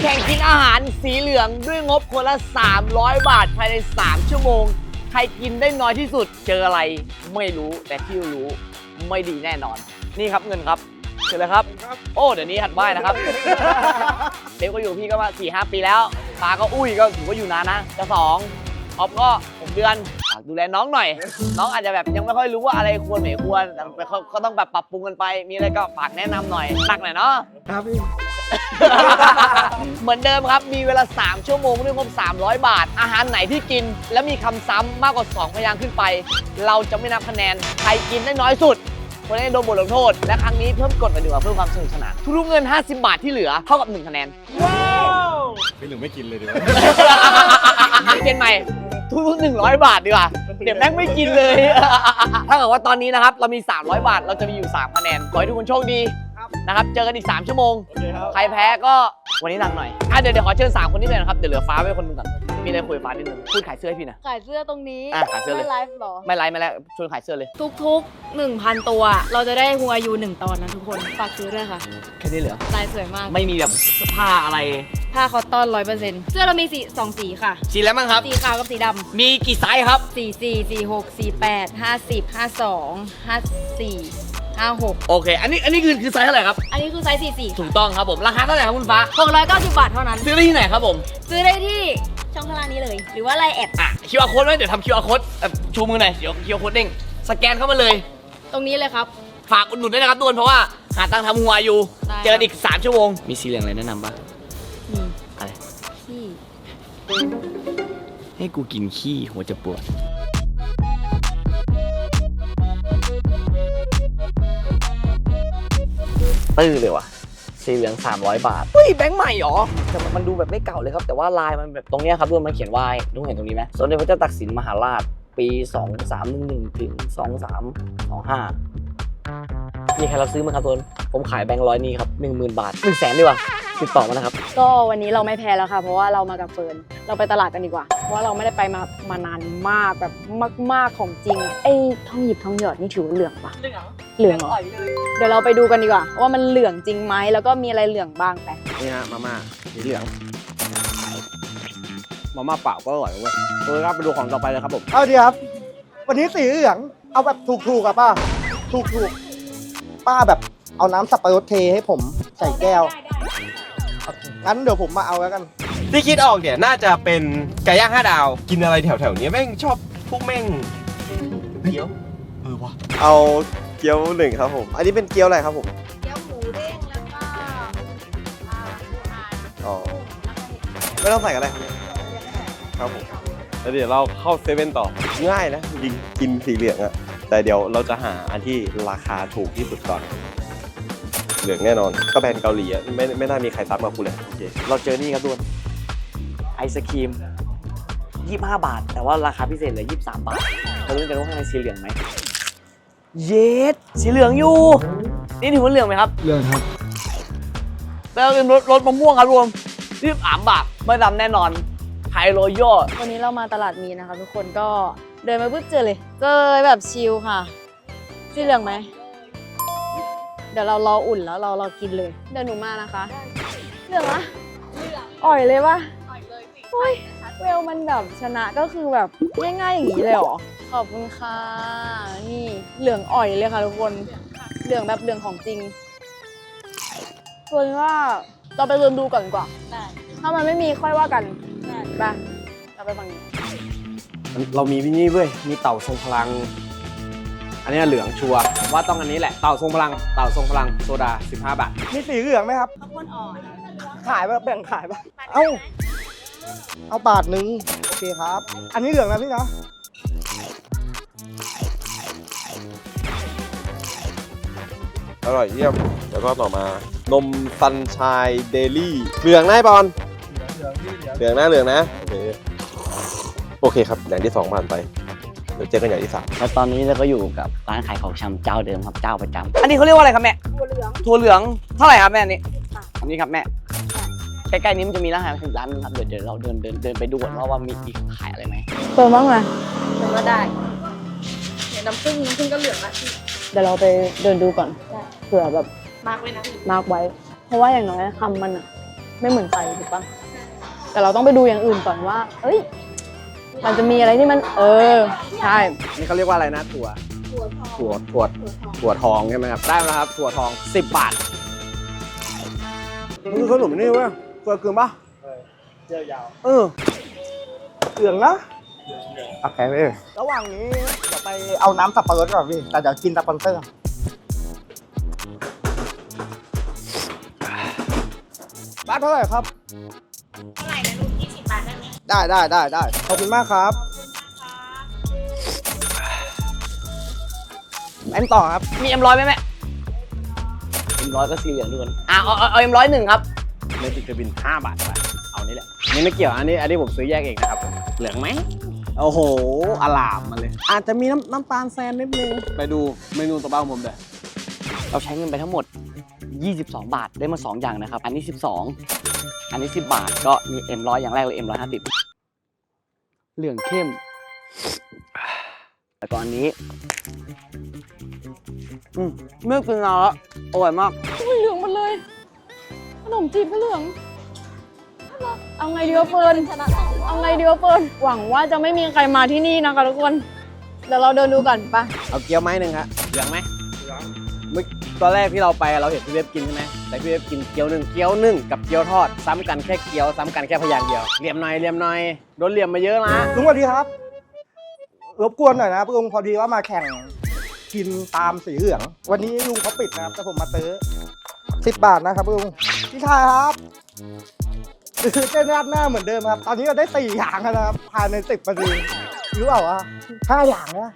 ข่งกินอาหารสีเหลืองด้วยงบคนละ300 บาทภายใน3 ชั่วโมงใครกินได้น้อยที่สุดเจออะไรไม่รู้แต่ที่รู้ไม่ดีแน่นอนนี่ครับเงินครับเจอเลยครับโอ้เดี๋ยวนี้หัดไหว้นะครับเบลก็อยู่พี่ก็มา 4-5 ปีแล้วปาก็อุ้ยก็ถือว่าอยู่นานนะจะ2ออฟก็6 เดือนดูแลน้องหน่อยน้องอาจจะแบบยังไม่ค่อยรู้ว่าอะไรควรไม่ควรแต่เขาต้องแบบปรับปรุงกันไปมีอะไรก็ฝากแนะนำหน่อยหนักหน่อยเนาะครับพี่ เหมือนเดิมครับมีเวลา3 ชั่วโมงด้วยงบ300 บาทอาหารไหนที่กินแล้วมีคำซ้ำมากกว่า2 พยางค์ขึ้นไปเราจะไม่นับคะแนนใครกินได้น้อยสุดคนนั้นโดนบทลงโทษและครั้งนี้เพิ่มกฎมาดีกว่าเพิ่มความสนุกสนานทุกเงิน50 บาทที่เหลือเท่ากับ1 คะแนนว้าวไม่หรือไม่กินเลยดีกว่าเกณฑ์ใหม่ทุก100 บาทดีกว่าเดี๋ยวแม่งไม่กินเลยถ้าเกิดว่าตอนนี้นะครับเรามี300 บาทเราจะมีอยู่3 คะแนนขอให้ทุกคนโชคดีนะครับเจอกันอีก3 ชั่วโมงใครแพ้ก็วันนี้หนักหน่อยเดี๋ยวขอเชิญ3 คนนี้เลยนะครับเดี๋ยวเหลือฟ้าไว้คนนึงก่อนมีอะไรคุยฟ้านิดนึงพูดขายเสื้อให้พี่นะขายเสื้อตรงนี้ขายเสื้อเลยไม่ไลฟ์หรอไม่ไลฟ์ไม่แล้วชวนขายเสื้อเลยทุกๆ 1,000 ตัวเราจะได้หัวยู1 ตอนนะทุกคนฝากซื้อด้วยค่ะแค่นี้เหรอลายสวยมากไม่มีแบบผ้าอะไรผ้าคอตตอน 100%เสื้อเรามี2 สีค่ะสีแล้วมั้งครับสีขาวกับสีดำมีกี่ไซส์ครับ 44 46 48 50 52 54 56 โอเคอันนี้คือไซส์เท่าไหร่ครับอันนี้คือไซส์44 ถูกต้องครับผมราคาเท่าไหร่ครับคุณฟ้า 690 บาทเท่านั้นซื้อได้ที่ไหนครับผมซื้อได้ที่ช่องข้างล่างนี้เลยหรือว่าไลน์แอด QR code ไว้เดี๋ยวทำ QR code ชูมือหน่อยเดี๋ยว QR code เด้งสแกนเข้ามาเลยตรงนี้เลยครับฝากอุดหนุนด้วยนะครับทุกคนเพราะว่าหาตังค์ทำหัวอยู่เจออีก3 ชั่วโมงมีสีเหลืองอะไรแนะนำบ้างอะไรขี้ให้กูกินขี้หัวจะปวดตื้อเลยว่ะสีเหลือง300 บาทเฮ้ยแบงค์ใหม่หรอแต่มันดูแบบไม่เก่าเลยครับแต่ว่าลายมันแบบตรงนี้ครับทุกคนมันเขียนว่าทุกคนเห็นตรงนี้ไหมสมเด็จพระเจ้าตากสินมหาราชปี2311ถึง2325มีใครรับซื้อมั้ยครับทุกคนผมขายแบงค์100นี่ครับ 10,000 บาท 100,000 ดีกว่าติดต่อมานะครับก็วันนี้เราไม่แพ้แล้วค่ะเพราะว่าเรามากับเฟิร์นเราไปตลาดกันดีกว่าเพราะว่าเราไม่ได้ไปมานานมากแบบมากๆของจริงไอ้ทองหยิบทองหยอดนี่ถือว่าเหลืองปะเหลืองเหรอเดี๋ยวเราไปดูกันดีกว่าว่ามันเหลืองจริงไหมแล้วก็มีอะไรเหลืองบ้างไปนี่ฮะมาม่าสีเหลืองมาม่าเปล่าก็อร่อยเว้ยครับไปดูของต่อไปเลยครับผมเอาดีครับวันนี้สีเหลืองเอาแบบถูกๆอะป้าถูกป้าแบบเอาน้ำสับปะรดเทให้ผมใส่แก้วงั้นเดี๋ยวผมมาเอาแล้วกันที่คิดออกเนี่ยน่าจะเป็นไก่ย่าง5 ดาวกินอะไรแถวๆนี้แม่งชอบพวกแม่งเกี๊ยววะเอาเกี๊ยว1ครับผมอันนี้เป็นเกี๊ยวอะไรครับผมเกี๊ยวหมูเด้งแล้วก็อ๋อไม่ต้องใส่กันเลยครับผมแล้วเดี๋ยวเราเข้าเซเว่นต่อง่ายนะจริงกินสีเหลืองอะแต่เดี๋ยวเราจะหาอันที่ราคาถูกที่สุดก่อนเหลืองแน่นอนก็แบรนด์เกาหลีอะไม่น่ามีใครซับมาคุณเลยโอเคเราเจอนี่ครับทุกคนไอศครีม25 บาทแต่ว่าราคาพิเศษเหลือ23 บาทเรารู้กันว่าข้างในสีเหลืองไหมเยสสีเหลืองอยู่นี่ถือว่าเหลืองไหมครับเหลืองครับแล้วเป็นรสมะม่วงครับรวม23 บาทไม่ดำแน่นอนไทยโรโย่วันนี้เรามาตลาดมีนะคะทุกคนก็เดินมาปุ๊บเจอเลยแบบชิลค่ะสีเหลืองไหมเดี๋ยวเรารออุ่นแล้วเรากินเลยเดี๋ยวหนูมานะคะเหลืองอะอ่อยเลยปะโอ้ยเวลมันแบบชนะก็คือแบบง่ายๆอย่างนี้เลยเหรอขอบคุณค่ะนี่เหลืองอ่อยเลยค่ะทุกคนเหลืองแบบเหลืองของจริงส่วนว่าเราไปเดินดูก่อนดีกว่าถ้ามันไม่มีค่อยว่ากันไปเราไปฝั่งนี้เรามีวินี่เว้ยมีเต่าทรงพลังอันนี้เหลืองชัวร์ว่าต้องอันนี้แหละเต่าทรงพลังโซดา15 บาทมีสีเหลืองไหมครับข้าวโพดอ่อนขายแบบแบ่งขายปะเอาบาทนึงโอเคครับอันนี้เหลืองนะพี่นะอร่อยเยี่ยมแล้วก็ต่อมานมซันชายเดลี่เหลืองนะบอลเหลืองนะโอเคครับอย่างที่2ผ่านไปเดี๋ยวเจอกันอย่างที่3 แล้วตอนนี้เราก็อยู่กับร้านขายของชำเจ้าเดิมครับเจ้าประจำอันนี้เขาเรียกว่าอะไรครับแม่ถั่วเหลืองเท่าไหร่ครับแม่อันนี้ครับแม่ใกล้ๆนี้มันจะมีร้านอาหารถึงร้านนึงครับเดี๋ยวเราเดินไปดูก่อนว่ามีขายอะไรไหมเปิดบ้างไหมเปิดก็ได้เห็นน้ำผึ้งก็เหลืองละเดี๋ยวเราไปเดินดูก่อนเผื่อแบบมาร์กไว้นะมาร์กไว้เพราะว่าอย่างน้อยคำมันอะไม่เหมือนใครถูกปะแต่เราต้องไปดูอย่างอื่นก่อนว่า เอ้ย มันจะมีอะไรที่มัน ใช่นี่เขาเรียกว่าอะไรนะถั่วทองใช่ไหมครับได้แล้วครับถั่วทอง10 บาทมันคือขนมนี่เว้ยเคยกินปะเจียวยาวเออเหลืองนะโอเคพี่ระหว่างนี้เดี๋ยวไปเอาน้ำสับปะรดก่อนพี่แต่เดี๋ยวกินสปอนเซอร์บ้านเท่าไหร่ครับเท่าไหร่นะลูก20 บาทได้ไหมได้ขอบคุณมากครับแอนต่อครับมี M100 ไหมแม่ M100 ก็สีเหลืองทุกคนเอา M100 1ครับเมจิกเทอร์บิน5 บาทไปเอานี่แหละนี่ไม่เกี่ยวอันนี้ผมซื้อแยกเองนะครับเหลืองไหมโอ้โหอลามมาเลย อาจจะมีน้ำตาลแซนนิดนึงไปดูเมนูต่อไปของผมเลยเราใช้เงินไปทั้งหมด 22 บาทได้มา 2 อย่างนะครับ อันนี้ 12 อันนี้ 10 บาท ก็มี M100 อย่างแรกเลย M150 เหลืองเข้ม แล้วก็อันนี้เมื่อกินแล้วอร่อยมากเหลืองหมดเลย ขนมจีบก็เหลือง เอาไงดีวะเฟิร์นเอาไงดีวะเฟิร์นหวังว่าจะไม่มีใครมาที่นี่นะคะทุกคน เดี๋ยวเราเดินดูก่อนปะเอาเกี๊ยวไม้หนึ่งครับเหลืองไหมเมื่อตอนแรกที่เราไปเราเห็นพี่เว็บกินใช่ไหมแต่พี่เว็บกินเกี๊ยวหนึ่งกับเกี๊ยวทอดซ้ำกันแค่เกี๊ยวซ้ำกันแค่พยางค์เดียวเหลี่ยมหน่อยโดนเหลี่ยมมาเยอะนะลุงสวัสดีครับ รบกวนหน่อยนะลุงพอดีว่ามาแข่งกินตามสีเหลือง วันนี้ลุงเขาปิดนะครับแต่ผมมาซื้อ10 บาทนะครับลุงพี่ชายครับซื้อเส้นราดหน้าเหมือนเดิมครับ ตอนนี้เราได้4 อย่างแล้วนะครับภายใน10 นาทีรู้เปล่าวะ5 อย่างนะ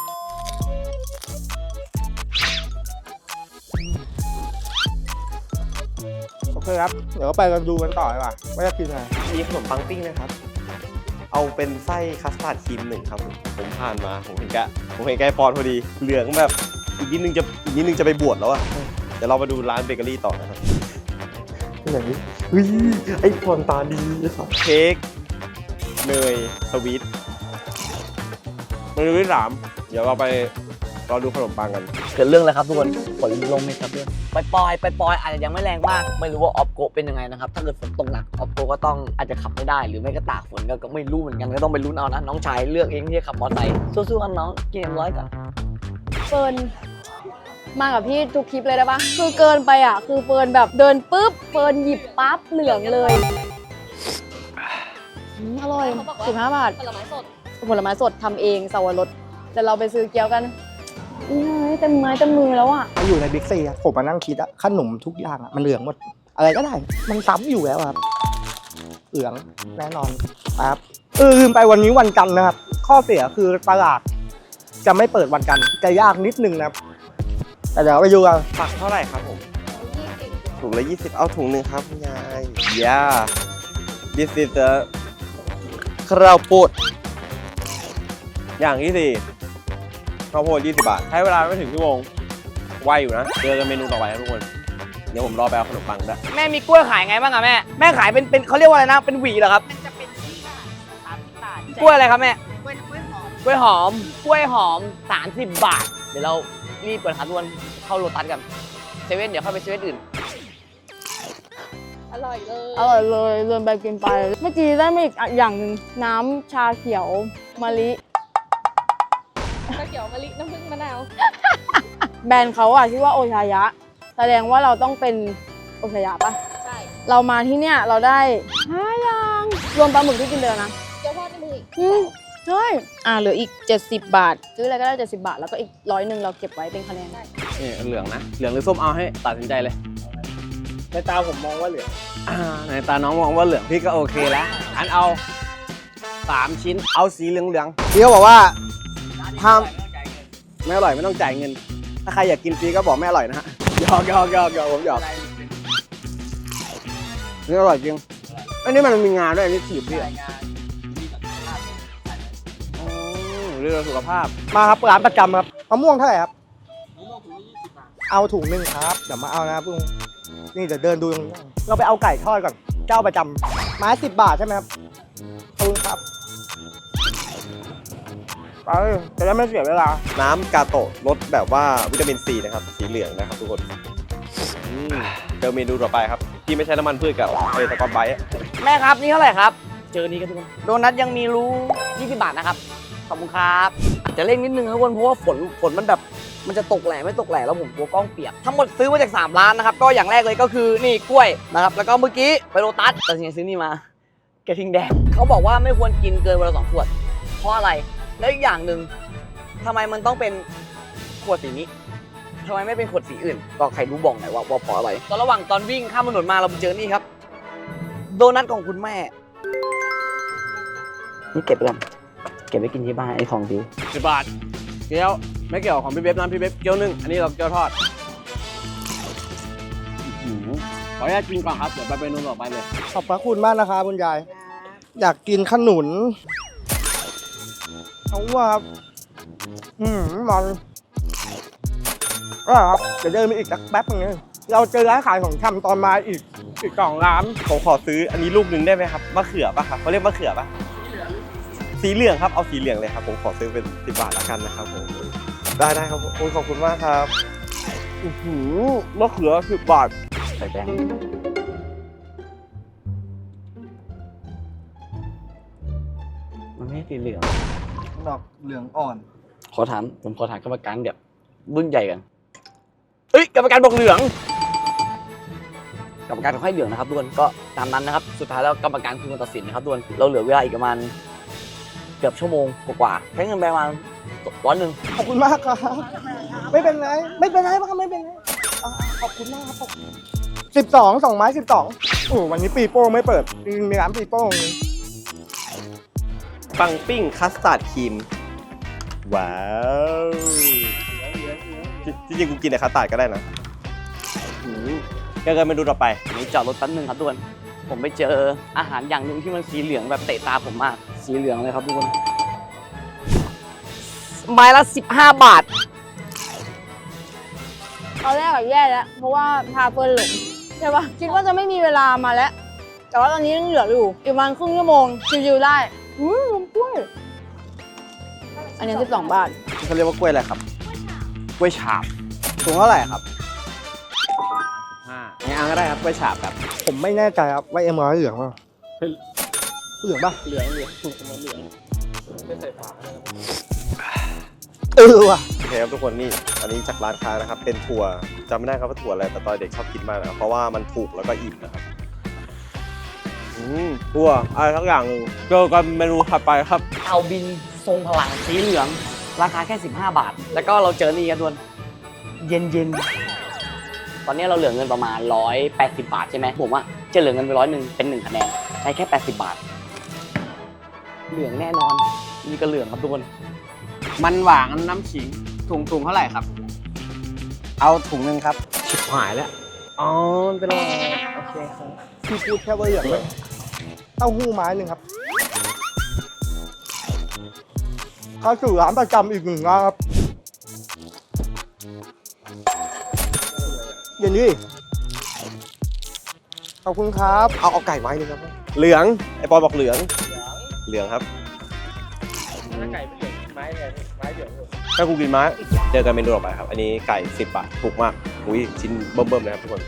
โอเคครับ เดี๋ยวไปกันดูกันต่อดีกว่าว่าจะกินอะไรมีขนมปังปิ้งนะครับ เอาเป็นไส้คัสตาร์ดครีม1ครับผมผ่านมาผมเห็นแกไอ้ปอนพอดีเหลืองแบบอีกนิดนึงจะไปบวชแล้วอะเดี๋ยวเรามาดูร้านเบเกอรี่ต่อนะครับที่ไหนเฮ้ยไอ้ปอนตาดีครับเค้กเนยสวีทเมนูที่ 3เดี๋ยวเราไปรอดูขนมปังกันเกิดเรื่องแล้วครับทุกคนฝนลงไหมครับเพื่อนไปปอยอาจจะยังไม่แรงมาก ไม่รู้ว่าออฟโกเป็นยังไงนะครับ ถ้าเกิดฝนตกหนักออฟโกก็ต้องอาจจะขับไม่ได้ หรือไม่ก็ตากฝนก็ไม่รู้เหมือนกันก็ต้องไปลุ้นเอานะ น้องชายเลือกเองที่จะขับมอเตอร์ไซค์สู้ๆกันน้องกินM100ก่อนเฟิร์นมากับพี่ทุกคลิปเลยได้ปะคือเกินไปอ่ะ คือเฟิร์นแบบเดินปุ๊บ เฟิร์นหยิบปั๊บเหลืองเลยอร่อย15 บาทผลไม้สดผลไม้สดทำเองสวรสเดี๋ยวเราไปซื้อเกี๊ยวกันเต็มไม้เต็มมือแล้วอ่ะมาอยู่ในบิ๊กซีอะผมมานั่งคิดอะขนมทุกอย่างอะมันเหลืองหมด อะไรก็ได้ มันซ้ำอยู่แล้วครับ เหลืองแน่นอนครับลืมไปวันนี้วันจันทร์นะครับ ข้อเสียคือตลาดจะไม่เปิดวันจันทร์จะยากนิดนึงนะครับ แต่เดี๋ยวไปดูกันผักเท่าไหร่ครับผมถุงละ20เอาถุงหนึ่งครับคุณยาย yeah this is the ข้าวโพดอย่างที่ 4ข้าวโพด20 บาทใช้เวลาไม่ถึงชั่วโมงไวอยู่นะเจอกันเมนูต่อไปครับทุกคนเดี๋ยวผมรอไปเอาขนมปังด้วยแม่มีกล้วยขายไงบ้างอะแม่ขายเป็นเขาเรียกว่าอะไรนะเป็นหวีเหรอครับมันจะเป็น20 บาท30 บาทกล้วยอะไรครับแม่กล้วยหอมกล้วยหอม30 บาท เดี๋ยวเรารีบก่อนครับทุกคนเข้าโลตัสกันเซเว่นเดี๋ยวเข้าไปเซเว่นอื่นอร่อยเลยอร่อยเลยเดินไปกินไป เมื่อกี้ได้มาอีกอย่างหนึ่งน้ำชาเขียวมะลิข้าวเขียวมะลิน้ำผึ้งมะนาวแบรนด์เขาอะชื่อว่าโอชายะ แสดงว่าเราต้องเป็นโอชายะปะใช่เรามาที่เนี่ยเราได้5 อย่างรวมปลาหมึกที่กินเดือนนะเกี๊ยวทอดในมืออีกใช่เหลืออีก70 บาท ซื้ออะไรก็ได้70 บาท แล้วก็อีก100เราเก็บไว้เป็นคะแนนได้นี่เหลืองนะเหลืองหรือส้มเอาให้ตัดสินใจเลยในตาผมมองว่าเหลืองในตาน้องมองว่าเหลืองพี่ก็โอเคแล้วอันเอา3 ชิ้นเอาสีเหลืองพี่เขาบอกว่าๆถ้าไม่อร่อยไม่ต้องจ่ายเงิน ถ้าใครอยากกินฟรีก็บอกไม่อร่อยนะฮะหยอกผมหยอกนี่อร่อยจริงอันนี้มันมีงาด้วยอันนี้ถีบพี่เรื่องสุขภาพมาครับร้านประจำครับมะม่วงเท่าไหร่ครับเอาถุงหนึ่งครับเดี๋ยวมาเอานะครับลุงนี่เดี๋ยวเดินดูตรงนี้เราไปเอาไก่ทอดก่อนเจ้าประจำไม้10 บาทใช่ไหมครับขอบคุณครับไปจะได้ไม่เสียเวลาน้ำกาโตะรสแบบว่าวิตามินซีนะครับสีเหลืองนะครับทุกคนเจอเมนูต่อไปครับที่ไม่ใช้น้ำมันพืชกับไอ้ตะกอนไบต์อะแม่ครับนี่เท่าไหร่ครับ เจอนี้กันทุกคนโดนัทยังมีรู้20 บาทนะครับขอบคุณครับอาจจะเร่งนิดนึงครับทุกคนเพราะว่าฝนมันแบบมันจะตกแหล่ไม่ตกแหล่แล้วผมกลัวกล้องเปียกทั้งหมดซื้อมาจาก3ร้านนะครับก็อย่างแรกเลยก็คือนี่กล้วยนะครับแล้วก็เมื่อกี้ไปโลตัสแต่สิ่งที่ซื้อนี่มากระทิงแดงเขาบอกว่าไม่ควรกินเกินวันละ2 ขวดเพราะอะไรแล้วอีกอย่างหนึ่งทำไมมันต้องเป็นขวดสีนี้ทำไมไม่เป็นขวดสีอื่นก็ใครรู้บอกหน่อยว่าเพราะอะไรตอนระหว่างตอนวิ่งข้ามถนนมาเราไปเจอนี่ครับโดนัทของคุณแม่นี่เก็บไปก่อนเก็บไว้กินที่บ้านไอ้ของดี 10 บาทเกี๊ยวไม่เกี่ยวของพี่เบ๊บนะพี่เบ๊บเกี๊ยวนึ่งอันนี้เราเกี๊ยวทอดขออนุญาตกินก่อนครับเดี๋ยวไปเมนูต่อไปเลยขอบพระคุณมากนะครับคุณยาย อยากกินขนุนเอาว่าครับมันก็ครับเดี๋ยวเดินไปอีกสักแป๊บนึงเราเจอร้านขายของชำตอนมาอีก2 ร้านผมขอซื้ออันนี้ลูกหนึ่งได้ไหมครับมะเขือป่ะครับเขาเรียกมะเขือป่ะสีเหลืองครับเอาสีเหลืองเลยครับผมขอซื้อเป็น10 บาทละกันนะครับผมได้ครับผมขอบคุณมากครับมะเขือ10 บาทใส่แป้งมันไม่ใช่สีเหลืองดอกเหลืองอ่อนผมขอถามกรรมการแบบรุ่นใหญ่กันเฮ้ยกรรมการบอกเหลืองกรรมการเขาให้เหลืองนะครับทุกคนก็ตามนั้นนะครับสุดท้ายแล้วกรรมการคือคนตัดสินนะครับทุกคนเราเหลือเวลาอีกประมาณเกือบชั่วโมงกว่าๆใช้เงินไปประมาณ100 ขอบคุณมากครับ ไม่เป็นไรไม่เป็นไรครับไม่เป็นไรขอบคุณมากครับ12 2 ไม้ 12โอ้วันนี้ปีโป้ไม่เปิดมีร้านปีโป้ปังปิ้งคัสตาร์ดครีมว้าวจริงๆกูกินแต่คัสตาร์ดก็ได้นะก็เมนูต่อไปอันนี้จอดรถแป๊บนึงครับทุกคนผมไปเจออาหารอย่างหนึ่งที่มันสีเหลืองแบบเตะตาผมมากสีเหลืองเลยครับทุกคนไม้ละ15 บาทตอนแรกอะแย่แล้ว เพราะว่าพาเฟิร์นหลงใช่ปะคิดว่าจะไม่มีเวลามาแล้ว แต่ว่าตอนนี้ยังเหลืออยู่อีกประมาณครึ่งชั่วโมงชิวๆได้นมกล้วย อันนี้12 บาทเขาเรียกว่ากล้วยอะไรครับกล้วยฉาบถุงเท่าไหร่ครับงั้นเอาก็ได้ครับกล้วยฉาบครับผมไม่แน่ใจครับว่าร้อยเหลืองป่ะเหลืองป่ะเหลืองเหลืองว่ะโอเคครับทุกคนนี่อันนี้จากร้านค้านะครับเป็นถั่วจำไม่ได้ครับว่าถั่วอะไรแต่ตอนเด็กชอบกินมากนะครับเพราะว่ามันถูกแล้วก็อิ่มนะครับถั่วอะไรทั้งอย่างหนึ่งเจอกันเมนูถัดไปครับเอาบินทรงพลังสีเหลืองราคาแค่15 บาท แล้วก็เราเจอนี่กันด้วยเย็นๆตอนนี้เราเหลือเงินประมาณ180 บาทใช่ไหมผมว่าจะเหลือเงินไป100เป็น1 คะแนนได้แค่80 บาท เหลืองแน่นอนนี่ก็เหลืองครับทุกคนมันหวานน้ำขิงถุงเท่าไหร่ครับ เอาถุงหนึ่งครับชิบหายแล้วอ๋อเป็นไรโอเคครับที่พูดแค่ว่าเหลืองเลยเต้าหู้ไม้หนึ่งครับเข้าสู่ร้านประจำอีก1 ร้านครับเย็นดีขอบคุณครับเอาไก่ไม้หนึงครับเหลืองไอ้ปอยบอกเหลืองครับถ้าไก่เป็นเหลืองไม้เหลืองถ้ากูกินไม้เจอกันเมนูต่อไปครับอันนี้ไก่10 บาทถูกมากอุ้ยชิ้นเบิ่มๆเลยครับทุกคน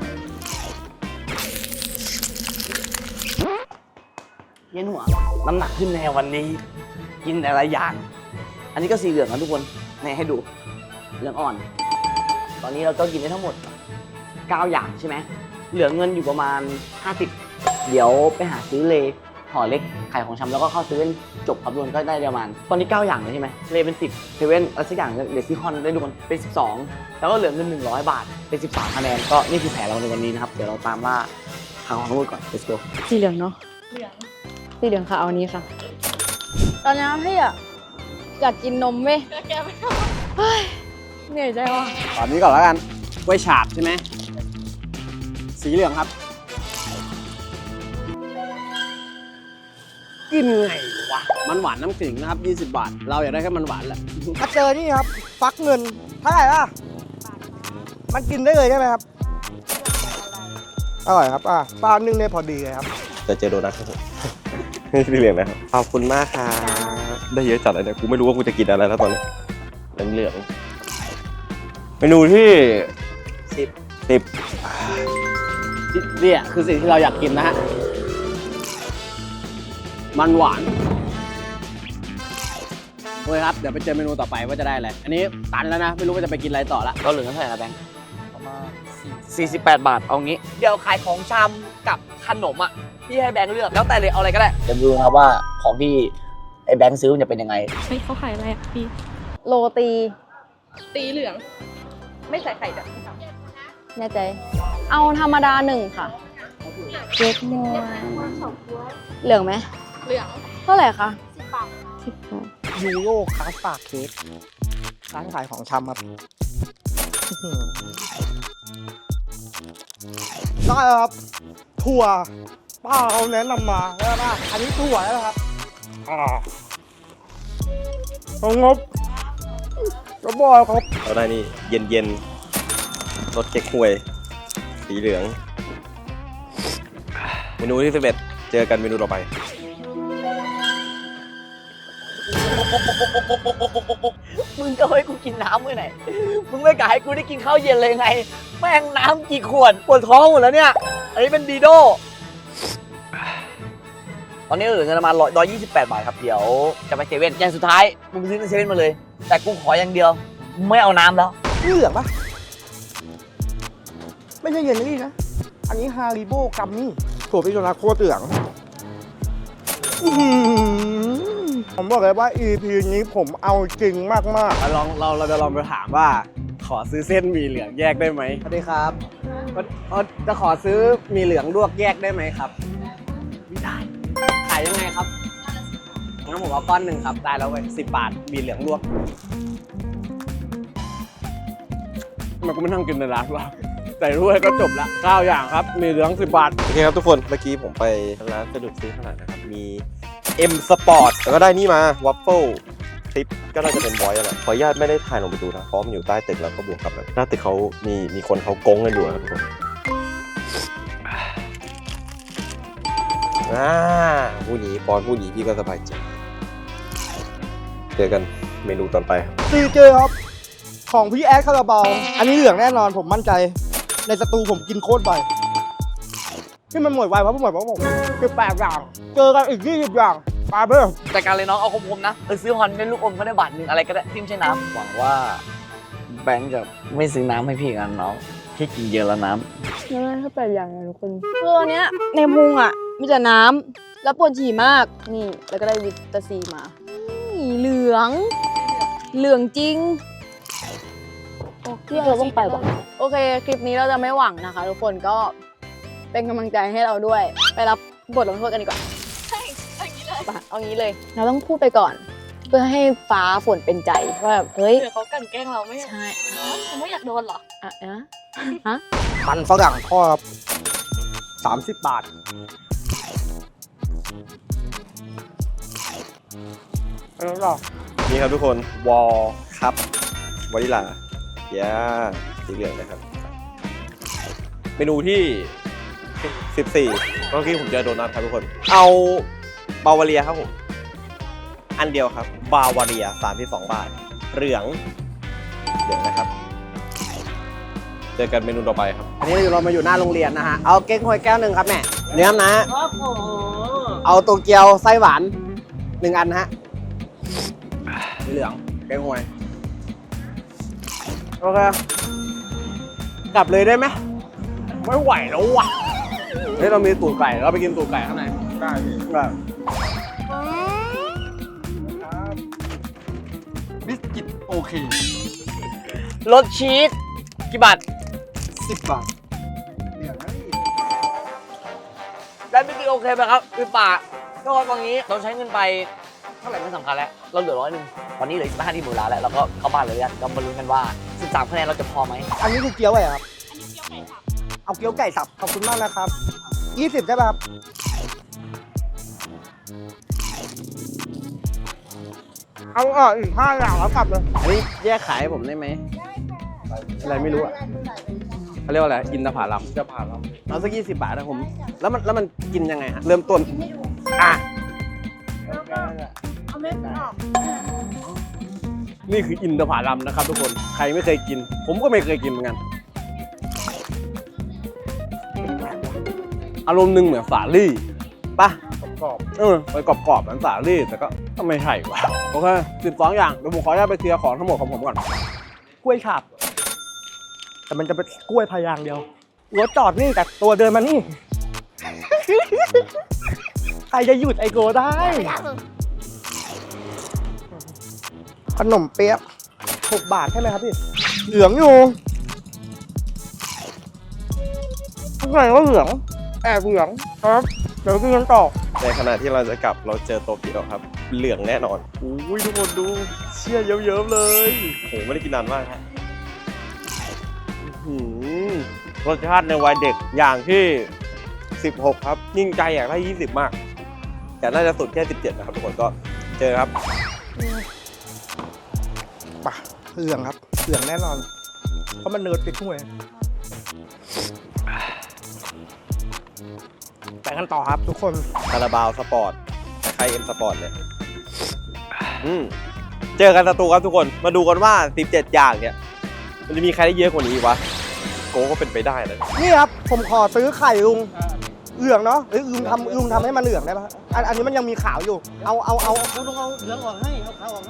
เย็นหัวน้ำหนักขึ้นในวันนี้ กินแต่ละอย่าง อันนี้ก็สีเหลืองนะทุกคนนี่ให้ดูเหลืองอ่อน ตอนนี้เราก็กินได้ทั้งหมด9 อย่างใช่ไหมเหลือเงินอยู่ประมาณ50เดี๋ยวไปหาซื้อเลห่อเล็กขายของชำแล้วก็เข้าเซเว่นจบครับทุกคนก็ได้ประมาณตอนนี้9 อย่างเลยใช่ไหมเลเป็น10เซเว่นอะไรสักอย่างเลซิคอนได้ทุกคนเป็น12แล้วก็เหลือเงิน100 บาทเป็น13 คะแนนก็นี่คือแผนเราในวันนี้นะครับเดี๋ยวเราตามล่าหาของทั้งหมดก่อน let's go สีเหลืองเนาะสีเหลืองค่ะเอาอันนี้ค่ะ ตอนนี้พี่อยากกินนมเว้ยก็แกไม่เฮ้ยเหนื่อยใจว่ะตอนนี้ก่อนแล้วกันกล้วยฉาบใช่ไหมสีเหลืองครับ กินไงวะมันหวานน้ำขิงนะครับ20 บาท เราอยากได้แค่มันหวานแหละมาเจอนี่ครับ ฟักเงินเท่าไหร่ล่ะ มันกินได้เลยใช่ไหมครับ อร่อยครับปลานึ่งได้พอดีเลยครับจะเจอโดนัทครับผมไม่สีเหลืองนะครับขอบคุณมากครับได้เยอะจัดเลยเนี่ยกูไม่รู้ว่ากูจะกินอะไรแล้วตอนนี้เหลืองเมนูที่10 เนี่ยคือสิ่งที่เราอยากกินนะฮะ มันหวานโอเคครับ เดี๋ยวไปเจอเมนูต่อไปว่าจะได้อะไร อันนี้ตันแล้วนะ ไม่รู้ว่าจะไปกินอะไรต่อละเราเหลือเท่าไหร่นะแบงค์ประมาณ 48 บาท เอางี้ เดี๋ยวขายของชำกับขนมอ่ะพี่ให้แบงค์เลือก แล้วแต่เลยเอาอะไรก็ได้ เดี๋ยวดูนะครับว่าของที่ไอ้แบงค์ซื้อมันจะเป็นยังไงเฮ้ยเขาขายอะไรอ่ะพี่โรตีตีเหลือง ไม่ใส่ไข่แบบแน่ใจ เอาธรรมดาหนึ่งค่ะเค้กมัวเหลืองไหมเหลืองเท่าไหร่คะ 10 บาท 10 บาทยูโรคาสตาร์ดเค้กร้านขายของชำครับอื้อหือได้ครับ ถั่วป้าเขาแนะนำมาแล้วนะอันนี้ถั่วแล้วนะครับของงบก็บอกครับเราได้นี่เย็นๆรสเก๊กฮวย สีเหลือง เมนูที่11เจอกันเมนูต่อไปมึงก็ให้กูกินน้ำเมื่อไหร่มึงไม่กะให้กูได้กินข้าวเย็นเลยไง แม่งน้ำกี่ขวดปวดท้องหมดแล้วเนี่ย อันนี้เป็นดีโด ตอนนี้เหลือเงินประมาณ128 บาทครับ เดี๋ยวจะไปเซเว่นอย่างสุดท้าย มึงไปซื้อในเซเว่นมาเลย แต่กูขออย่างเดียว ไม่เอาน้ำแล้วนี่เหลืองปะไม่ใช่เยลลี่นะ อันนี้ฮาริโบกัมมี่ถั่วพิโรนาโคตรเหลืองอื้อหือผมบอกเลยว่า EP นี้ผมเอาจริงมากเราจะลองไปถามว่า ขอซื้อเส้นหมี่เหลืองแยกได้ไหมๆสวัสดีครับจะขอซื้อหมี่เหลืองลวกแยกได้ไหมครับ ไม่ได้ ขายยังไงครับงั้นผมเอาก้อนหนึ่งครับ ได้แล้วเว้ย10 บาทหมี่เหลืองลวกทำไมันก็ไม่นั่งกินในร้านวะใส่ถ้วยก็จบละ9 อย่างครับหมี่เหลือง10 บาทโอเคครับทุกคน เมื่อกี้ผมไปร้านสะดวกซื้อขนาดนะครับ มี M Sport แล้วก็ได้นี่มา วัฟเฟิลคลิปก็น่าจะเป็นบอยอะไรขออนุญาตไม่ได้ถ่ายลงไปดูนะเพราะมันอยู่ใต้ตึกแล้วก็บวกกับแบบหน้าตึกเขามีคนเขาโกงกันอยู่นะครับทุกคนผู้หนีปอนผู้หนีพี่ก็สบายใจเจอกันเมนูต่อไปครับซีเจครับ ของพี่แอดคาราบาวอันนี้เหลืองแน่นอนผมมั่นใจ ในสตูผมกินโคตรบ่อยที่มันหมดไวเพราะผม18 อย่าง เจอกันอีก20 อย่างปาเบอร์จัดการเลยน้องเอาคมๆนะไปซื้อฮอนเป็นลูกอมก็ได้บาทหนึ่งอะไรก็ได้ที่ไม่ใช่น้ำหวังว่าแบงค์จะไม่ซื้อน้ำให้พี่กันน้องพี่กินเยอะแล้วน้ำไม่ได้แค่8 อย่างนะทุกคนคืออันเนี้ยในพุงอ่ะมีแต่น้ำแล้วปวดฉี่มาก นี่ แล้วก็ได้วิตาซีมานี่เหลือง เหลืองจริงที่เราต้องไปบอกโอเค คลิปนี้เราจะไม่หวังนะคะ ทุกคนก็เป็นกำลังใจให้เราด้วย ไปรับบทลงโทษกันดีกว่าไปเอางี้เลย เราต้องพูดไปก่อน เพื่อให้ฟ้าฝนเป็นใจว่าแบบเฮ้ยเดี๋ยวเขากลั่นแกล้งเราไม่ใช่เขาไม่อยากโดนเหรออะฮะมันฝรั่งทอดครับ30 บาทแล้วก็นี่ครับทุกคนวอลคัพวานิลาสีเหลืองนะครับ เมนูที่ 14เมื่อกี้ผมเจอโดนัทครับทุกคน เอาบาวาเรียครับผม อันเดียวครับบาวาเรีย32 บาท เหลืองนะครับ เจอกันเมนูต่อไปครับอันนี้เรามาอยู่หน้าโรงเรียนนะฮะ เอาเก๊กฮวยแก้วหนึ่งครับแม่เนื้อนะ เอาโตเกียวไส้หวาน1 อันนะฮะสีเหลืองเก๊กฮวยโอเค กลับเลยได้ไหมไม่ไหวแล้วว่ะเฮ้ยเรามีตูดไก่เราไปกินตูดไก่ข้างในได้แบบบิสกิตโอเครสชีสกี่บาท 10 บาทเหลืองนะพี่ได้ไม่กี่โอเคไหมครับคือป่าก็ตอนนี้เราใช้เงินไปเท่าไหร่ไม่สำคัญแล้วเราเหลือ100วันนี้เหลือ15ที่หมื่นล้านแล้วเราก็เข้าบ้านเลยก็มาลุ้นกันว่า13คะแนนเราจะพอไหมอันนี้คือเกี๊ยวอะไรครับ เอาเกี๊ยวไก่สับ ขอบคุณมากนะครับ 20 ใช่ป่ะครับ เอาอีก5 อย่างแล้วกลับเลยอันนี้แยกขายให้ผมได้ไหมอะไรไม่รู้อ่ะเขาเรียกว่าอะไรอินทผลัมเอาสัก20 บาทนะผมแล้วมันกินยังไงฮะเริ่มต้นอ่ะนี่คืออินทผลัมนะครับทุกคนใครไม่เคยกิน ผมก็ไม่เคยกินเหมือนกันอารมณ์หนึ่งเหมือนสาลี่ปะกรอบไปกรอบๆเหมือนสาลี่แต่ก็ไม่ใช่ว่ะโอเค12 อย่างเดี๋ยวผมขออนุญาตไปเคลียร์ของทั้งหมดของผมก่อนกล้วยฉาบแต่มันจะเป็นกล้วยพายางเดียวรถจอดนี่แต่ตัวเดินมานี่ ใครจะหยุดไอโกได้ ขนมเปี๊ยะ6 บาทใช่ไหมครับพี่ เหลืองอยู่ข้างในก็เหลือง แอบเหลืองครับ เดี๋ยวกินกันต่อในขณะที่เราจะกลับเราเจอโตเกียวครับ เหลืองแน่นอนอุ้ยทุกคนดูเชี่ยเยิ้มๆเลยโหไม่ได้กินนานมากครับอื้อหือรสชาติในวัยเด็กอย่างที่ 16 ครับยิ่งใจอยากได้20 มาก แต่น่าจะสุดแค่ 17 นะครับทุกคนก็เจอครับป่ะเหลืองครับ เหลืองแน่นอน เพราะมันเนิร์ดติดถ้วยไปกันต่อครับทุกคนคาราบาวสปอร์ตใครเอ็มสปอร์ตเนี่ยเจอกันสตูครับทุกคน มาดูกันว่า 17 อย่างเนี่ย มันจะมีใครได้เยอะกว่านี้อีกวะ โกก็เป็นไปได้นะนี่ครับ ผมขอซื้อไข่ลุง เหลืองเนาะเอ้ยลุงทำให้มันเหลืองได้ปะอันนี้มันยังมีขาวอยู่ เอาลุงเอาเหลืองออกให้ เอาขาวออกให้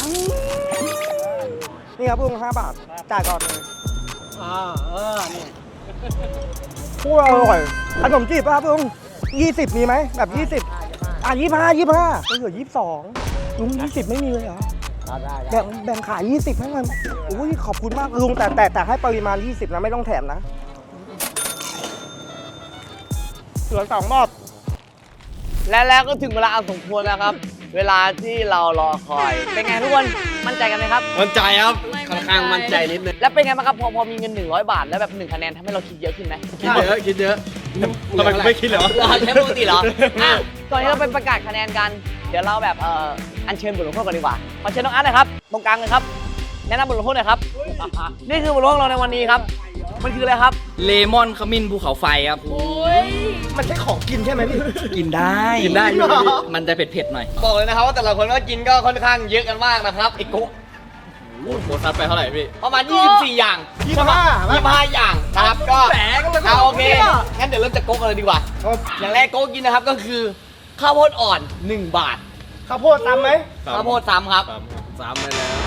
นี่ครับลุง5 บาท จ่ายก่อนเลยนี่พูดอร่อย ขนมจีบป่ะครับลุง20 มีไหมแบบ2025ก็เหลือ22ลุง20ไม่มีเลยเหรอแบ่งขาย20ให้มันอุ้ยขอบคุณมากลุงแต่ให้ปริมาณ20นะไม่ต้องแถมนะเหลือ2 รอบและแล้วก็ถึงเวลาอันสมควรแล้วครับ เวลาที่เรารอคอย เป็นไงทุกคน มั่นใจกันไหมครับมั่นใจครับค่อนข้างมั่นใจนิดนึงแล้วเป็นไงบ้างครับพอมีเงิน100 บาทแล้วแบบ1 คะแนนทำให้เราคิดเยอะขึ้นไหมคิดเยอะทำไมไม่คิดเลยวะใช้ปกติเหรออ่ะก่อนที่เราไปประกาศคะแนนกัน เดี๋ยวเราแบบอัญเชิญบทลงโทษก่อนดีกว่า ขอเชิญน้องอาร์ตหน่อยครับ ตรงกลางเลยครับ แนะนำบทลงโทษหน่อยครับ นี่คือบทลงโทษของเราในวันนี้ครับ มันคืออะไรครับเลมอนขมิ้นภูเขาไฟครับมันใช่ของกินใช่ไหมพี่กินได้กินได้อยู่มันจะเผ็ดๆหน่อยบอกเลยนะครับว่าแต่ละคนก็กินก็ค่อนข้างเยอะกันมากนะครับไอ้กุ๊กโบนัสไปเท่าไหร่พี่ประมาณ 24 อย่าง25 อย่างนะครับก็เอาโอเคงั้นเดี๋ยวเริ่มจากโก๊กกันเลยดีกว่า อย่างแรกโก๊กกินนะครับก็คือข้าวโพดอ่อน 1 บาทข้าวโพดตำไหมข้าวโพดซ้ำครับ 3ไปแล้ว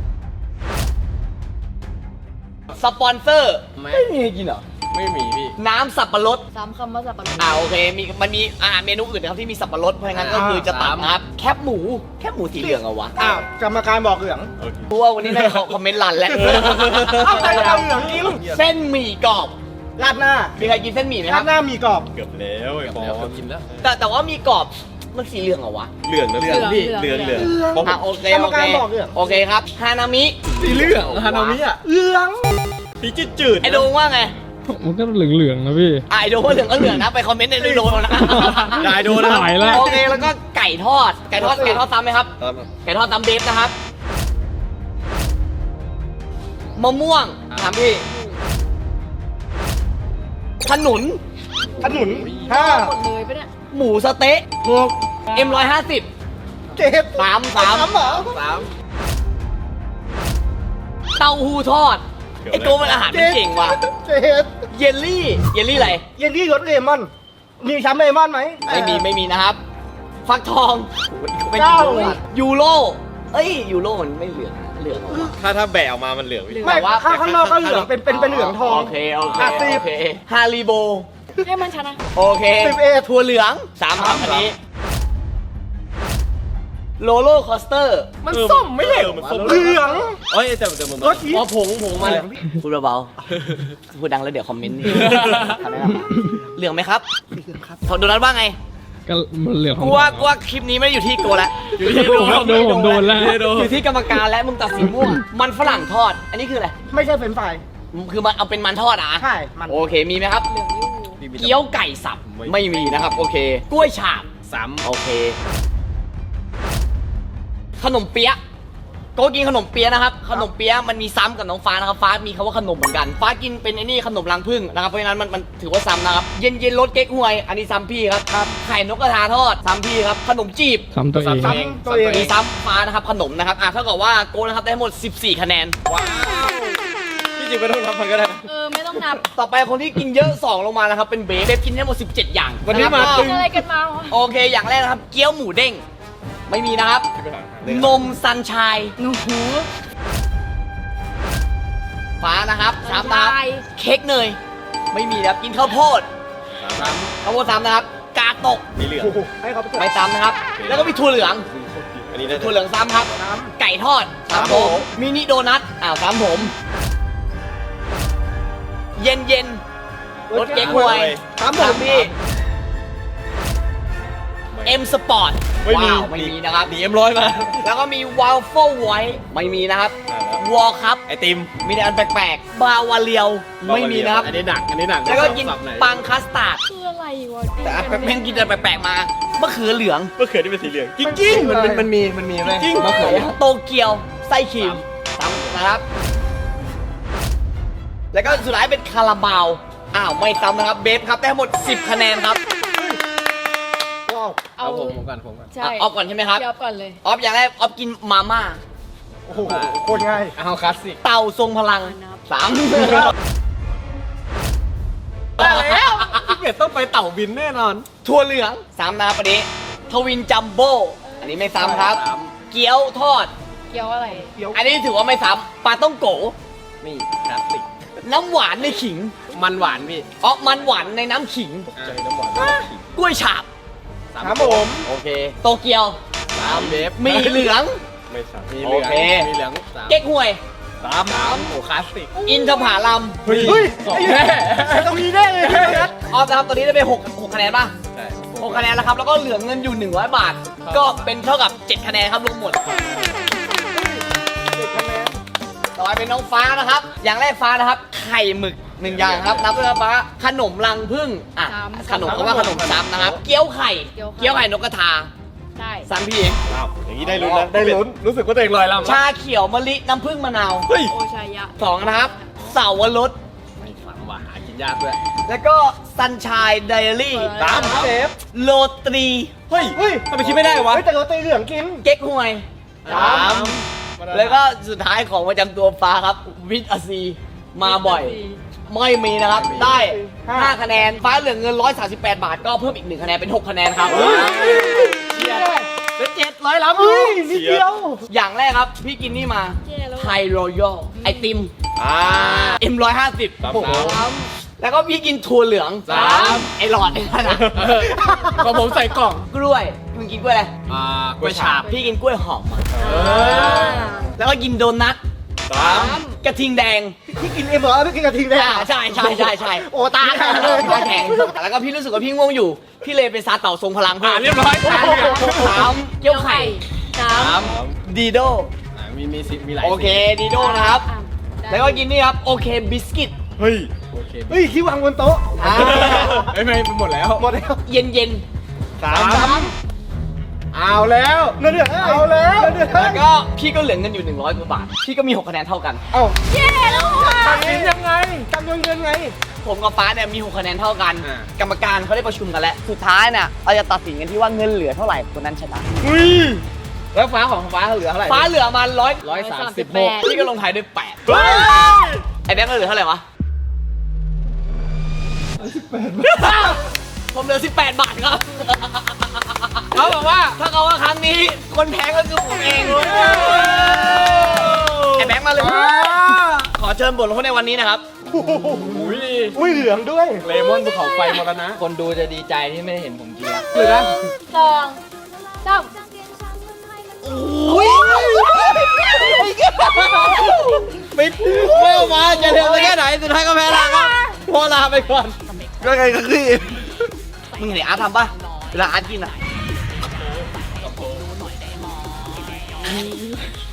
สปอนเซอร์ไม่มีให้กินเหรอไม่มีพี่น้ำสับปะรดซ้ำคำว่าสับปะรดโอเคมันมีอาหารเมนูอื่นนะครับที่มีสับปะรดเพราะงั้นก็คือจะตัดนะครับแคบหมูสีเหลืองเอาวะอ้าวกรรมการบอกเหลืองเพราะว่าวันนี้ได้คอมเมนต์รันแล้วเอาใจเอาเหลืองจริงเส้นหมี่กรอบราดหน้ามีใครกินเส้นหมี่ไหมครารับดหน้ามีกรอบเกือบแล้วไอ้บอลกินแล้วแต่ว่ามีกรอบมันสีเหลืองเหรอวะเหลืองนะพี่เหลืองเพราะผมโอเคกรรมการบอกเหลืองโอเคครับฮานามิสีเหลืองฮานามิอ่ะเหลืองพี่จืดไอโดงว่าไงมันก็เหลืองๆนะพี่ไอโดงว่าเหลืองก็เหลืองนะไปคอมเมนต์ในโดงนะได้โดนนะหายแล้วโอเคแล้วก็ไก่ทอดซ้ำไหมครับ ไก่ทอดซ้ำเบฟนะครับมะม่วงถามพี่ขนุนขนุนห้าหมดเลยปะเนี่ยหมูสะเต๊ะ 6 M150 7 สามเหรอเต้าหู้ทอดไอตัวมันอาหารมันเก่งว่ะ 7 เยลลี่อะไรเยลลี่รสเลมอน มีช้ำเลมอนไหมไม่มีนะครับ ฟักทองเป็นเก้ายูโรเอ้ยยูโรมันไม่เหลืองเหรอวะถ้าแบะออกมามันเหลืองพี่ไม่ข้างนอกก็เหลืองเป็นเหลืองทองโอเคสิบฮาริโบให้มันชนะโอเค 11 ถั่วเหลือง3ครับอันนี้โลโลคอสเตอร์มันส้มไม่ใช่มันส้มเหลืองเอ้ยแต่มันรสชีสอ๋อผงมันพูดเบาๆพูดดังแล้วเดี๋ยวคอมเมนต์นี่คำแนะนำเหลืองไหมครับโดนัทว่าไงก็มันเหลืองของกูว่าคลิปนี้ไม่ได้อยู่ที่โกแล้วอยู่ที่ผมโดนแล้วอยู่ที่กรรมการและมึงตัดสินมั่วมันฝรั่งทอด อันนี้คืออะไรไม่ใช่เฟรนช์ฟรายคือมันเอาเป็นมันทอดอ่ะใช่ มันโอเคมีไหมครับ เกี๊ยวไก่สับไม่มีนะครับ โอเค กล้วยฉาบ โอเค ขนมเปี๊ยะโก็กินขนมเปี๊ยะนะครับ ขนมเปี๊ยะมันมีซ้ำกับน้องฟ้านะครับ ฟ้ามีคำว่าขนมเหมือนกัน ฟ้ากินเป็นไอ้นี่ขนมรังผึ้งนะครับ เพราะฉะนั้นมันถือว่าซ้ำนะครับ เย็นรสเก๊กฮวย อันนี้ซ้ำพี่ครับ ไข่นกกระทาทอดซ้ำพี่ครับ ขนมจีบซ้ำตัวเองซ้ำตัวเองมีซ้ำฟ้านะครับ ขนมนะครับ เท่ากับว่าโก้นะครับได้ทั้งหมด 14 คะแนนพี่จริงไม่ต้องนับมันก็ได้ไม่ต้องนับต่อไปคนที่กินเยอะ2ลงมานะครับเป็นเบฟกินทั้งหมด17 อย่างวันนี้มาะครับตึงอะไรกันมาวะโอเคอย่างแรกนะครับ เกี๊ยวหมูเด้งไม่มีนะครับ นมซันชายหนูหูฟ้านะครับสามนะครับเค้กเนยไม่มีนะครับกินข้าวโพดข้าวโพดซ้ำนะครับ กาตกมีเหลืองให้เขาไปเถอะไม่ซ้ำนะครับ แล้วก็มีถั่วเหลืองอันนี้น่าจะถั่วเหลืองซ้ำครับ ไก่ทอดซ้ำผมมินิโดนัทซ้ำผม เย็นเย็นๆรสเก๊กฮวยซ้ำผมพี่เอ็มสปอร์ตไม่มีไม่มีนะครับดีM100มาแล้วก็มีวาลเฟิลไวท์ไม่มีนะครับวอลคัพไอติมมีแต่อันแปลกๆ บาวาเลียวไม่มีนะครับอันนี้หนักอันนี้แล้วก็กินปังคัสตาร์ดคืออะไรวะแต่อันแม่งกินแต่แปลกๆมามะเขือเหลืองมะเขือที่เป็นสีเหลืองจริงๆมันมีไหมจริงมะเขือโตเกียวไส้ครีมซ้ำนะครับ แล้วก็สุดท้ายเป็นคาราบาวไม่ซ้ำนะครับเบฟครับได้ทั้งหมด10 คะแนนครับเอาผมก่อนใช่ออฟก่อนใช่ไหมครับเดี๋ยวก่อนเลยออฟอย่างแรกออฟกินมาม่าโอ้โหโคตรง่ายเอาคลาสสิกเต่าทรงพลังสามได้แล้วพี่เกดต้องไปเต่าบินแน่นอนถั่วเหลืองซ้ำนะครับอันนี้ทวินจัมโบ้อันนี้ไม่ซ้ำครับ เกี๊ยวทอดเกี่ยวอะไรอันนี้ถือว่าไม่ซ้ำปลาต้องโกนี่คลาสสิกน้ำหวานในขิงมันหวานพี่มันหวานในน้ำขิงใจน้ำหวานกล้วยฉาบครับผมโอเค โตเกียวเบฟมีเหลืองไม่ซ้ำมีเหลืองโอเคมีเหลืองสามเก๊กฮวยสามโอ้คลาสสิกอินทผลัมเฮ้ยต้องมีแน่เลยพี่นัทออฟนะครับตอนนี้ได้ไป6คะแนนป่ะใช่ 6คะแนนแล้วครับ แล้วก็เหลือเงินอยู่100 บาท ก็เป็นเท่ากับ 7 คะแนนครับรวมหมด ต่อไปเป็นน้องฟ้านะครับ อย่างแรกฟ้านะครับ ไข่หมึก1 อย่างครับ นับด้วยครับฟ้า ขนมรังผึ้งขนมเขาว่าขนมซ้ำนะครับ เกี๊ยวไข่ เกี๊ยวไข่นกกระทาได้ซ้ำพี่เองอ้าวอย่างนี้ได้ลุ้นนะได้ลุ้นรู้สึกว่าตัวเองลอยลำชาเขียวมะลิน้ำผึ้งมะนาวเฮ้ยโอชายะ 2 นะครับ เสาวรสไม่ฝันว่าหากินยากด้วยแล้วก็ซันชายไดอารี่สามเซฟโรตรีเฮ้ยเฮ้ยทำไมคิดไม่ได้วะเฮ้ยแต่เราตีเหลืองกินเก๊กฮวย แล้วก็สุดท้ายของประจำตัวฟ้าครับ วิทอาซี มาบ่อย ไม่มีนะครับ ได้ 5 คะแนน ฟ้าเหลือเงิน 138 บาท ก็เพิ่มอีก 1 คะแนน เป็น 6 คะแนนครับเป็น700ล้ำเฮ้ยนิดเดียวอย่างแรกครับ พี่กินนี่มาไทยรอยัลไอติม M150 ซ้ำโอ้โหซ้แล้วก็พี่กินถั่วเหลือง ไอหลอดไอ้นั่นนะของผมใส่กล่องกล้วยมึงกินกล้วยอะไรกล้วยฉาบพี่กินกล้วยหอมมาแล้วก็กินโดนัทซ้กระทิงแดงพี่กินเอ็มเหรอพี่กินกระทิงแดงใช่โอ้ตาแข็งเลยตาแข็งแล้วก็พี่รู้สึกว่าพี่ง่วงอยู่ พี่เลยไปซาเต่าทรงพลังเพิ่มเรียบร้อยสามเกี๊ยวไข่สามดีโดมีหลายโอเคดีโดนะครับ แล้วก็กินนี่ครับโอเคบิสกิตำเฮ้ยโอเคเฮ้ยที่วางบนโต๊ะไม่หมดแล้วหมดแล้วเย็นเย็นสามเอาแล้วเดือดเอาแล้วเดือดแล้วก็พี่ก็เหลือเงินอยู่100 กว่าบาท พี่ก็มี 6 คะแนนเท่ากันเอ้าเย้แล้วว่ะตัดสินยังไงจำนวนเงินไงผมกับฟ้าเนี่ยมี 6 คะแนนเท่ากันอ่ากรรมการเขาได้ประชุมกันแล้ว สุดท้ายเนี่ยเราจะตัดสินกันที่ว่าเงินเหลือเท่าไหร่คนนั้นชนะแล้วฟ้าของฟ้าเหลือเท่าไหร่ฟ้าเหลือมา 136 136พี่ก็ลงท้ายด้วย8ไอ้แบงค์เหลือเท่าไหร่วะผมเหลือ18 บาทครับ เขาบอกว่าถ้าเขาว่าครั้งนี้คนแพ้ก็คือผมเองไอ้แบงค์มาเลย ขอเชิญบทลงโทษในวันนี้นะครับอุ้ยเหลืองด้วยเลมอนภูเขาไฟมรณะคนดูจะดีใจที่ไม่ได้เห็นผมกินแล้วเหลือสองสามไม่ออกมาจะเร็วแค่ไหนสุดท้ายก็แพ้ละครับพอลาไปก่อนก็ไงก็คือมึงเห็นอาร์ตทำป่ะ เวลาอาร์ตกินอ่ะ